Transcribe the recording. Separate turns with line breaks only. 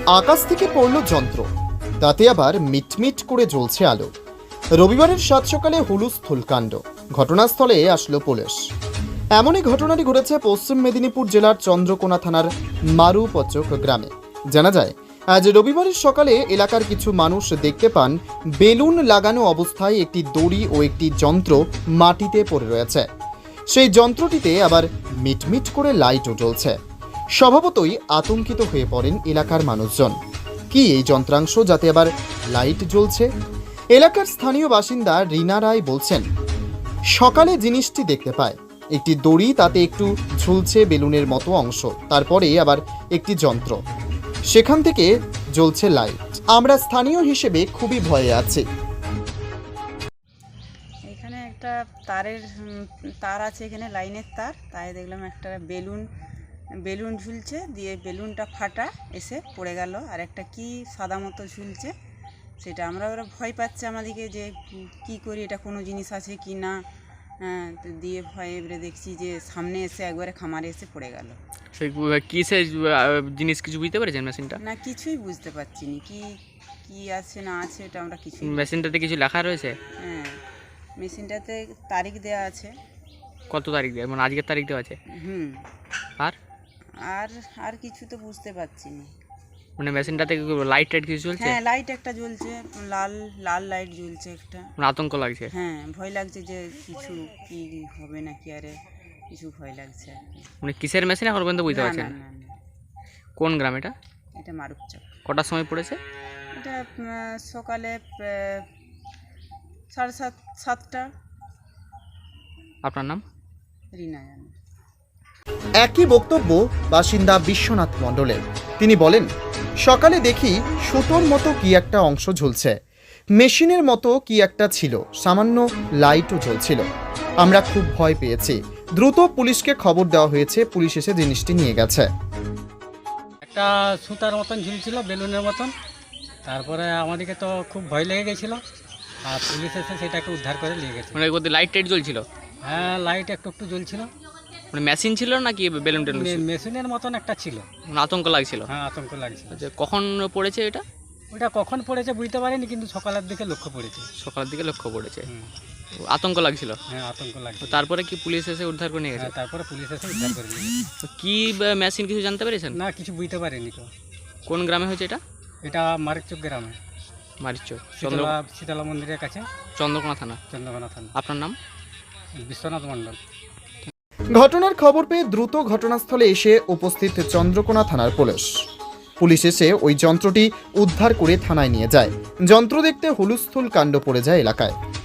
আকাশ থেকে পড়ল যন্ত্র, তাতে আবার মিটমিট করে জ্বলছে আলো। রবিবারের সাত সকালে হুলুস্থুল কাণ্ড, ঘটনাস্থলে আসলো পুলিশ। এমনই ঘটনাটি ঘটেছে পশ্চিম মেদিনীপুর জেলার চন্দ্রকোনা থানার মারুপচক গ্রামে। জানা যায়, আজ রবিবারের সকালে এলাকার কিছু মানুষ দেখতে পান বেলুন লাগানো অবস্থায় একটি দড়ি ও একটি যন্ত্র মাটিতে পড়ে রয়েছে। সেই যন্ত্রটিতে আবার মিটমিট করে লাইটও জ্বলছে। স্বভাবতই আতঙ্কিত হয়ে পড়েন এলাকার মানুষজন। কি এই যন্ত্রাংশ যাতে আবার লাইট জ্বলছে? এলাকার স্থানীয় বাসিন্দা রিনা রায় বলছেন, সকালে জিনিসটি দেখতে পায় একটি দড়ি, তাতে একটু ঝুলছে বেলুনের মতো অংশ, তারপরে আবার একটি যন্ত্র, সেখান থেকে জ্বলছে লাইট। আমরা স্থানীয় হিসেবে খুবই ভয়ে আছি।
এখানে একটা তার আছে, এখানে লাইনের তার, তাই দেখলাম একটা বেলুন ঝুলছে, দিয়ে বেলুনটা ফাটা এসে পড়ে গেল, আর একটা কি সাদা মতো ঝুলছে, সেটা ওরা ভয় পাচ্ছে আমাদেরকে যে কি করি, এটা কোনো জিনিস আছে কি না। তো দিয়ে ভয়ে এবারে দেখছি যে সামনে এসে একবারে খামারে এসে পড়ে গেল।
সেই কিসের জিনিস কিছু বুঝতে পেরেছেন মেশিনটা?
না, কিছুই বুঝতে পারছি না কি কি আছে না আছে, এটা আমরা কিছুই।
মেশিনটাতে কিছু লেখা রয়েছে?
হ্যাঁ, মেশিনটাতে তারিখ দেওয়া আছে।
কত তারিখ দেওয়া, মানে আজকের তারিখ দেওয়া আছে? আর
আর আর কিছু তো বুঝতে পারছি না।
মানে মেশিনটাতে লাইট টাইট কিছু জ্বলছে?
হ্যাঁ, লাইট একটা জ্বলছে, লাল লাল লাইট জ্বলছে একটা।
মানে আতঙ্ক লাগছে?
হ্যাঁ, ভয় লাগছে যে কিছু কি হবে নাকি, আরে কিছু ভয় লাগছে আর কি।
মানে কিসের মেশিন এখন পর্যন্ত বুঝতে পারছেন?
না।
কোন গ্রাম এটা?
এটা মারুপচক।
কটার সময় পড়েছে
এটা সকালে 7:30।
আপনার নাম?
রিনা জানে।
একই বক্তব্য বাসিন্দা বিশ্বনাথ মণ্ডলের। তিনি বলেন, সকালে দেখি সুতোর মতো কি একটা অংশ ঝুলছে, মেশিনের মতো কি একটা ছিল, সামান্য লাইটও জ্বলছিল। আমরা খুব ভয় পেয়েছি, দ্রুত পুলিশকে খবর দেওয়া হয়েছে, পুলিশ এসে জিনিসটি নিয়ে গেছে।
একটা সুতার মতন ঝুলছিল, বেলুনের মতন। তারপরে আমাদেরকে তো খুব ভয় লেগে গেছিল, আর পুলিশ এসে সেটাকে উদ্ধার করে নিয়ে গেছে।
মানে ওদের লাইট টাইট জ্বলছিল?
হ্যাঁ, লাইট একটু একটু জ্বলছিল।
মানে মেশিন ছিল নাকি বেলুন টেলুন ছিল?
মেশিনের মতন একটা ছিল।
মানে আতঙ্ক লাগছিল?
হ্যাঁ, আতঙ্ক লাগছিল।
আচ্ছা, কখন পড়েছে এটা?
ওটা কখন পড়েছে বুঝতে পারিনি, কিন্তু সকালের দিকে লক্ষ্য পড়েছে।
সকালের দিকে লক্ষ্য পড়েছে।
হুম।
আতঙ্ক লাগছিল?
হ্যাঁ, আতঙ্ক লাগছিল।
তারপরে কি পুলিশ এসে উদ্ধার করে নিয়ে গেছে?
হ্যাঁ, তারপরে পুলিশ এসে উদ্ধার করে নিয়ে গেছে।
তো কি মেশিন কিছু জানতে পেরেছেন?
না, কিছু বুঝতে পারিনি তো।
কোন গ্রামে হয়েছে এটা?
এটা মারিচক গ্রামে,
মারিচক,
শীতলা মন্দিরের কাছে,
চন্দ্রকোনা থানা।
চন্দ্রকোনা থানা।
আপনার নাম?
বিশ্বনাথ মণ্ডল।
ঘটনার খবর পেয়ে দ্রুত ঘটনাস্থলে এসে উপস্থিত চন্দ্রকোনা থানার পুলিশ এসে ওই যন্ত্রটি উদ্ধার করে থানায় নিয়ে যায়। যন্ত্র দেখতে হুলুস্থুল কাণ্ড পড়ে যায় এলাকায়।